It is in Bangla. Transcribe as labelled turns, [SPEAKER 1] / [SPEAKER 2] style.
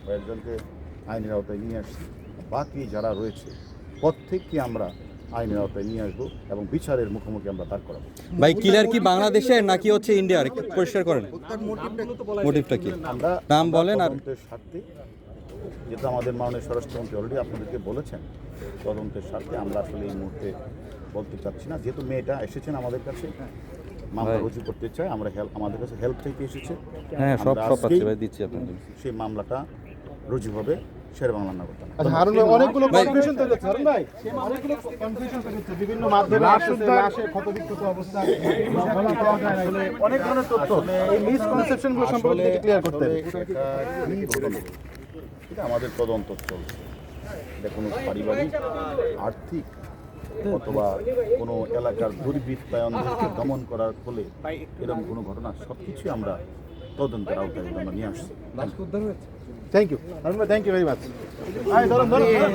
[SPEAKER 1] কয়েকজনকে আইনের আওতায় নিয়ে আসছি। বাকি যারা রয়েছে প্রত্যেককে আমরা আইনের আওতায় নিয়ে আসবো এবং বিচারের মুখোমুখি আমরা দাঁড় করাবো।
[SPEAKER 2] ভাই কিলার কি বাংলাদেশের নাকি হচ্ছে ইন্ডিয়ার, একটু পরিষ্কার করেন মোটিভটা কি,
[SPEAKER 1] আমরা
[SPEAKER 2] নাম বলেন। আর
[SPEAKER 1] তদন্তের স্বার্থে, যেটা আমাদের মাননীয় স্বরাষ্ট্রমন্ত্রী অলরেডি আপনাদেরকে বলেছেন, তদন্তের স্বার্থে আমরা আসলে এই মুহূর্তে বলতে চাচ্ছি না। যেহেতু মেয়েটা এসেছেন আমাদের কাছে মামলা রুজু করতে চায়, আমরা আমাদের কাছে হেল্প থেকে এসেছে,
[SPEAKER 2] হ্যাঁ সব
[SPEAKER 1] আমরা
[SPEAKER 2] সব আছে
[SPEAKER 1] আজকেই
[SPEAKER 2] ভাই, দিচ্ছি আপনাদের।
[SPEAKER 1] সেই মামলাটা রুজু হবে শেরেবাংলা নগর থানায়।
[SPEAKER 3] আচ্ছা হারুন ভাই, অনেকগুলো কনফিউশন তৈরি হচ্ছে। হারুন ভাই, অনেকগুলো কনফিউশন তৈরি হচ্ছে। বিভিন্ন মাধ্যমে আসছে লাশে ক্ষতবিক্ষত অবস্থা, বলা পাওয়া যায় না, আসলে অনেক ধরনের তথ্য। এই মিসকনসেপশনগুলো সম্পর্কে একটু ক্লিয়ার করতে হবে।
[SPEAKER 1] এটা আমাদের তদন্ত চলছে। এটা কোনো পারিবারিক, আর্থিক অথবা কোনো এলাকার দুর্বৃত্তায়নদেরকে দমন করার ফলে এরকম কোনো ঘটনা, সব কিছুই আমরা তদন্তের আওতায় আমরা নিয়ে আসছি।
[SPEAKER 3] থ্যাংক ইউ হারুন ভাই, থ্যাংক ইউ ভেরি মাচ। ধরুন